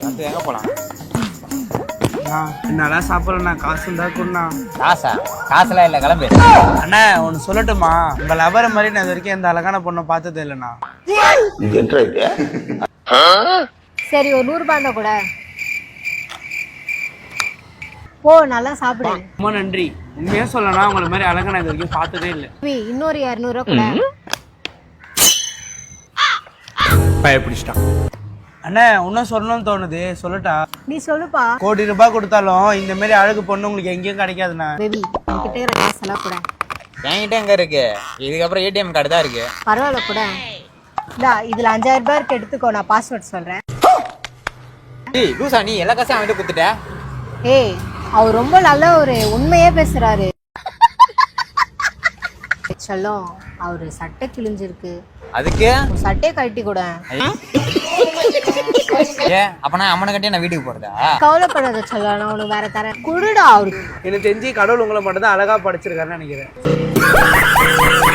அடுத்து எங்கே போகலாம்? என்னால சாப்பிடலண்ணா, காசு இருந்தா கொடுண்ணா. காசா? காசுலாம் இல்லை, கிளம்பு. அண்ணா ஒன்று சொல்லட்டுமா? உங்க லவர் மாதிரி நான் இது வரைக்கும் எந்த அழகான பொண்ணை பார்த்ததே இல்லைண்ணா. சரி ஒரு 100 ரூபாய் இருந்தா கூட போ, நல்லா சாப்பிடு. ரொம்ப நன்றி. உண்மையா சொல்லனா உங்களை மாதிரி அழகா நான் இது வரைக்கும் பார்த்ததே இல்லை. இன்னொரு 200 ரூபாய் கூட. பயப்பிடிச்சிட்டான். அண்ணா இன்னும் சொல்லணும்னு தோணுது, சொல்லட்டா? நீ சொல்லுப்பா. கோடி ரூபாய் கொடுத்தாலும் இந்த மாதிரி அழகு பொண்ணு உங்களுக்கு எங்கேயும் கிடைக்காதுண்ணா. பேபி என்கிட்ட இருக்கிற காசெல்லாம் கூட. என்கிட்ட எங்கே இருக்கு? இதுக்கப்புறம் ஏடிஎம் கார்டு தான் இருக்கு. பரவாயில்ல கூட. இந்தா இதுல 5000 ரூபாய் இருக்கு, எடுத்துக்கோ. நான் பாஸ்வேர்ட் சொல்றேன். ஏய் லூசா, நீ எல்லா காசையும் அவன்கிட்ட கொடுத்துட்ட. ஏய் அவர் ரொம்ப நல்ல ஒரு உண்மையே பேசுறாரு. சொல்லும் அவரு சட்டை கிழிஞ்சிருக்கு, அதுக்கு சட்டையை கழட்டி கூட. அப்பனா அம்மனை கட்டியே நான் வீட்டுக்கு போறதா? கவலைப்படாத சொல்ல, நான் உனக்கு வேற தரேன். குடுடா அவருக்கு. எனக்கு தெரிஞ்சு கடவுள் உங்களை மட்டும் தான் அழகா படைச்சிருக்காருன்னு நினைக்கிறேன்.